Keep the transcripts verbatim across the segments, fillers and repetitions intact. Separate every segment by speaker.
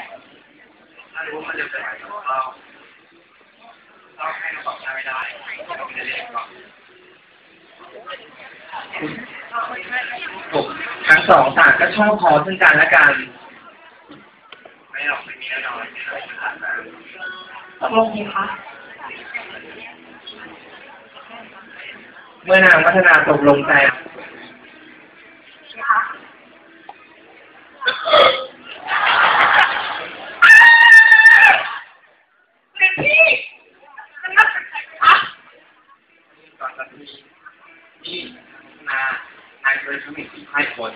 Speaker 1: ถ้ารู้มันจะเป็นอะไรเราเราให้เราตอบไม่ได้เราไม่ได้เรียกหรอกทั้งสองต่างก็ชอบพอซึ่งกันและกันไม่หรอกไม่มีแน่นอนไม่ได้ขนาดนั้น
Speaker 2: ตกลงไหมคะ
Speaker 1: เมื่อนางพัฒนาตกลงใจนี่นานายเคยทำให้สี่ให้คน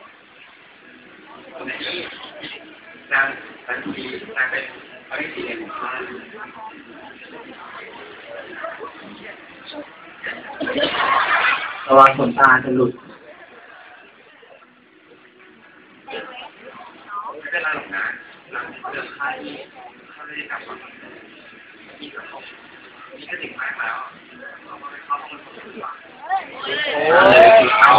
Speaker 1: คนนี้นางสันตินางเป็นอริสิเดของข้าระวังขนตาจะหลุดไม่เป็นไรหรอกนะหลังเลือกค่ายเขาไม่ได้กลับมาที่กระทบนี่ก็ถึงมากแล้วเราไม่เข้าห้องมันดีกว่าโอ้ยเอา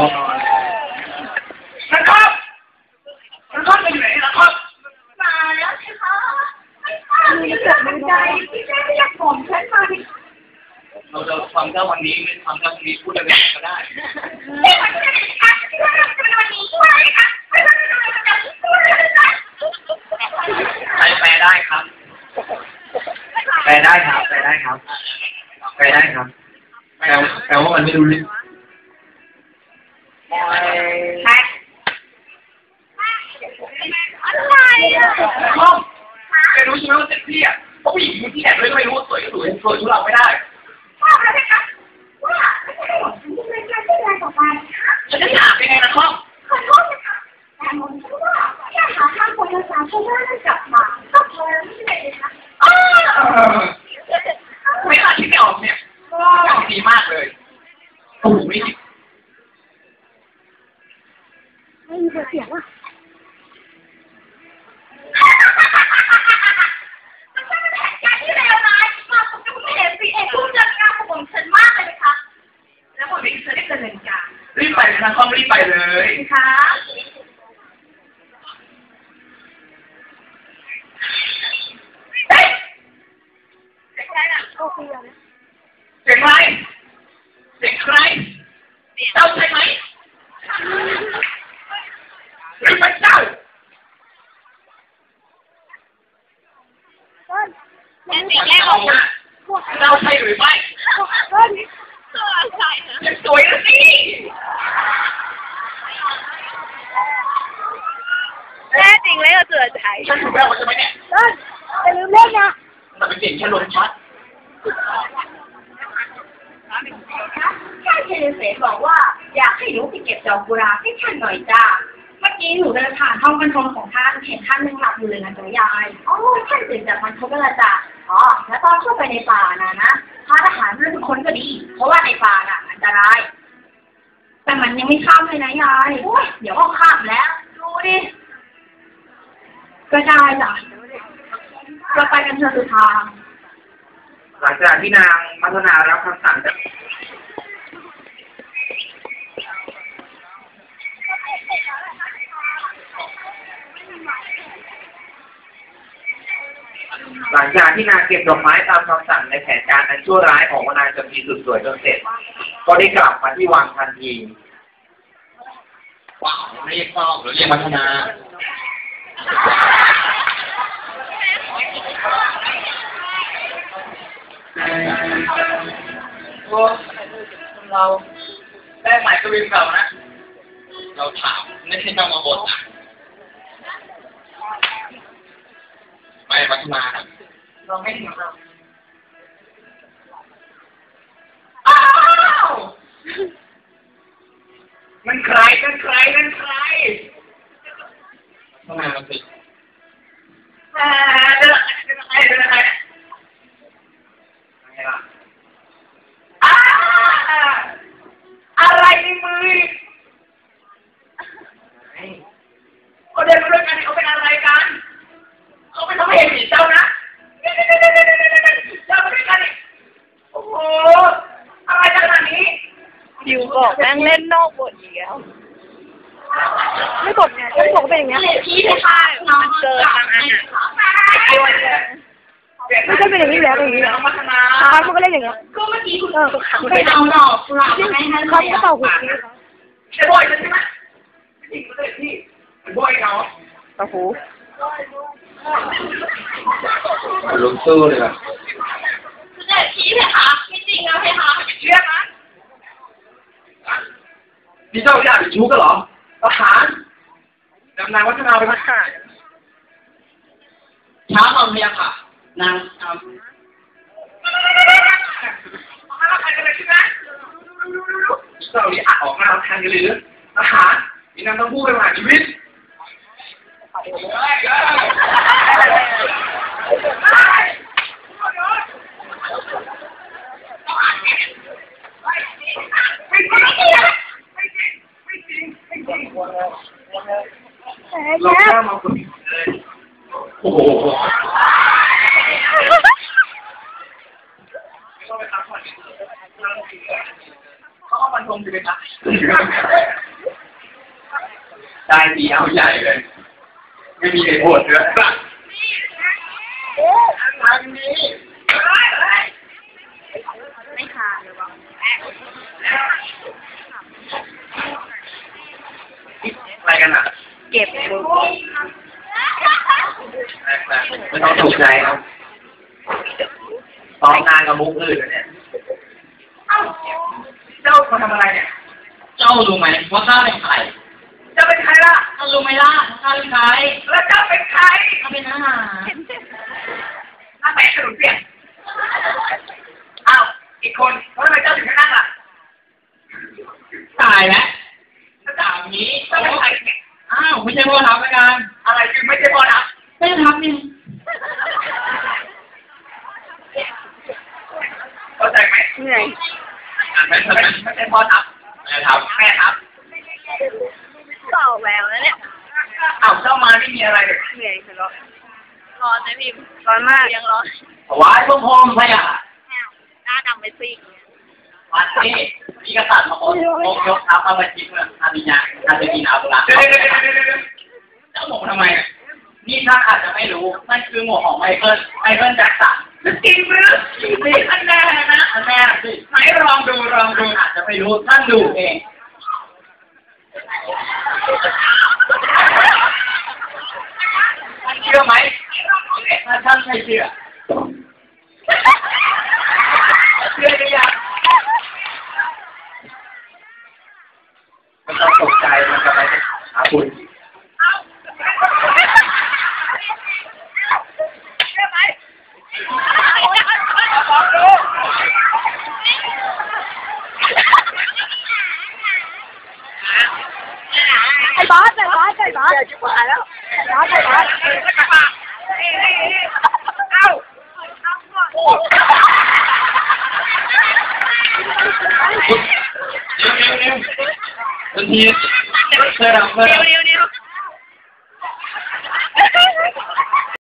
Speaker 1: นะครับนะครับไปอยู่ไหนนะครับ
Speaker 2: มาแล้วใช่ไหมไม่ทราบมีเกิดมันใจที่แม่ไม่อยากผมฉันมาดิ
Speaker 1: เราจะทำแค่วันนี้ไม่ทำแค่วันนี้พูดอะไรก็ได้
Speaker 2: เอ้ยวันนี้ค่ะที่ว่าเราจะวันนี้ช่วยค่ะไม่ต้องไม่ต้องไม่ต้องช่วยเลย
Speaker 1: ใครแปลได้ครับแปลได้ครับแปลได้ครับแปลได้ครับแปลแปลว่ามันไม่รู้เรื่อง
Speaker 2: ใช่อะไรอ่ะ
Speaker 1: พ่อแกรู้ใช่ไหมว่าเจ็บพี่อ่ะเพราะผู้หญิงที่แอบเลยก็ไม่รู้ว่าสวยก็สวยสวยทุเราไม่ได้
Speaker 2: พ่อแล้วนะคะว่าไม่ใช่หรอกฉันจะเป็นการที่แรงต่อไปค่ะ
Speaker 1: ฉันจะถามยังไงนะพ่อ
Speaker 2: ขอโทษนะคะแต่ผมคิดว่าแค่หาทางคนละสามชั่วโมงแล้วกลับมาก็พอแล้วไม่ใช่เลยนะคะ
Speaker 1: ไม่อาคิดไม่ออกเนี่ยดีมากเลยโอ้โหไม่ผิด
Speaker 2: ไม่มีเสียงว่ะมันเป็นแผนการที่เลวร้ายมากผมจะไม่เห็นสิเอกผู้จัดการของผมฉันมากเลยนะคะแล้วผมเองจะได้ดำเนินการ
Speaker 1: รีบไปนะต้องรีบไปเลย
Speaker 2: ค่ะ
Speaker 1: เสียงใครเสียงใครเจ้าใช่ไหมหรือเป็นเจ้า
Speaker 2: แม่ตีแม่บอกว่า
Speaker 1: เจ้าใช่หรือไม่
Speaker 2: ตัวใช่
Speaker 1: นะสวยนะสิ
Speaker 2: แม่จริงเลยก็เสือใจ
Speaker 1: ฉันถูกแล้วใช่ไหมเนี่ย
Speaker 2: จะลืมเล่นนะ
Speaker 1: แต่เป็นเสียงแค่ลมชัด
Speaker 2: แค่เจเสบอกว่าอยากให้หนูไปเก็บดอกกุหลาบให้ท่านหน่อยจ้าเมื่อกี้หนูเดินผ่านห้องบรรทมของท่านเห็นท่านนั่งหลับอยู่เลยนะจ๊ะยายอ๋อท่านตื่นจากบรรทมแล้วจ้ะอ๋อแล้วตอนเข้าไปในป่าน่ะนะพระทหารเรื่องทุกคนก็ดีเพราะว่าในป่าน่ะอันตรายแต่มันยังไม่ข้ามเลยนะยายโอ้ยเดี๋ยวก็ข้ามแล้วดูดิก็ได้จ้ะเราไปกันเถอะสุธา
Speaker 1: หลังจากที่นางมัทนารับคำสั่งจากหลังจากที่นางเก็บดอกไม้ตามคำสั่งในแผนการอันชั่วร้ายของนางจำปีสุดสวยจนเสร็จก็ได้กลับมาที่วังทันทีว้าวเรียกพ่อหรือเรียกมัทนาโอ้เราได้หมายกวินเก่านะเราถามไม่ใช่ต้องมาบ่นนะไปพัฒนาเราไม่ถึงเราอ้าวมันใครมันใครมันใครทำไมมันติดอ่าเดินเดินอะไรเดินอะไรอะไรล่ะอ่าอะไรในมือเขาเดินมาด้วยกันเขาเป็นอะไรกันเขาเป็นทำให้เห็นผีเจ้านะเจ้ามาด้วยกันนี่โอ้โหอะไรขนาดนี้
Speaker 2: ดิวบอกแม่งเล่นนอกบทอีกแล้วไม่บทไงฉันบอกเป็นอย่างเงี้ยพี่ไม่ใช่น้องเจอทางอาหาร
Speaker 3: ไม่ใช่เป็นอย่างนี้แล้วอย่างนี้แล้ว
Speaker 1: พัฒนา
Speaker 3: ครับมันก็เล่นอย่างเงี้ย
Speaker 2: ก็เมื่อกี้คุณ
Speaker 3: เออ
Speaker 2: ไปเอาดอกกุหลาบมาให้ท่าน
Speaker 3: เขาก็เป่าหู
Speaker 1: ไอ้บอยใช่ไหมจริงเลยพี่ไอ้บอยเขา
Speaker 3: เป่าหู
Speaker 1: ลงสู้เลยครับ
Speaker 2: คือแต่ผีเลยค่ะไม่จริงนะเพคะ
Speaker 1: เชื่อนะนี่เจ้าอยากชู้กันเหรอทหารดำนางวัฒนาไปพัฒนาช้าความเพียรค่ะนางทำใครกันเลยใช่ไหมเจ้านี่อัดออกมาทางกันเลยหรือทหารมีนางต้องพูดไปผ่านชีวิตเราแค่มาฝึกเลยโอ้โหต้องไปพักผ่อนเขาเอามันตรงไปเลยนะได้ดีเอาใหญ่เลยไม่มีเหตุผลเลยโอ้ทางนี้
Speaker 2: ไม่ขาดเลยวะ
Speaker 1: อะไรกันอ่ะ
Speaker 3: เก็บมือ
Speaker 1: ไม่ต้องตกใจครับซ้อมงานกับมุกอื่นเนี่ยเจ้ามาทำอะไรเนี่ยเจ้ารู้ไหมว่าข้าเป็นใครเจ้าเป็นใครล่ะข้ารู้ไหมล่ะข้าเป็นใครแล้วเจ้าเป็นใครข้าเป็นทหารข้าแบกขนมเปียกอ้าวอีกคนแล้วทำไมเจ้าถึงไม่นั่งล่ะตายแล้วถ้าถามนี้เจ้าเป็นใครเนี่ยอ้าวไม่ใช่พ่อทัพแล้วกันอะไรคือไม่ใช่พ่อทัพไม่ใช่ทัพนี่เข้าใจไหม
Speaker 3: เหนื่อย
Speaker 1: ไม่ใช่ไม่ใช่พ่อทัพแม่ทัพแม่ทัพ
Speaker 3: ต่อแววแล้วเนี่ย
Speaker 1: อ้าวเจ้ามาไม่มีอะไรเลย
Speaker 3: เหนื่อยทะเลาะร้อนนะพิมร้อนมากยังร้อน
Speaker 1: ถวายพระพรหมพระยา
Speaker 3: หน้าดำไปซิก
Speaker 1: วันนี้มีกษัตริย์มาโอนยกทัพมาบัญชีเมืองอาบิญาอาบิญาบุระเจ้าหมกทำไมนี่ท่านอาจจะไม่รู้นั่นคือหมวกของไมเคิลไมเคิลแจ็คสันจริงหรือจริงสิอันแน่นะอันแน่สิไหนลองดูลองดูอาจจะไม่รู้ท่านดูเองท่านเชื่อไหมถ้าท่านไม่เชื่อเชื่อหรือยังไม่ต้องตกใจมันจะไปหาคุณ
Speaker 3: ไอ้บอสไอ้บอสไอ้บอสชิบหายแล้วบอสไอ้บอสเอ้า
Speaker 1: เร็วเร็วเร็วทันทีเธอทำเธอทำ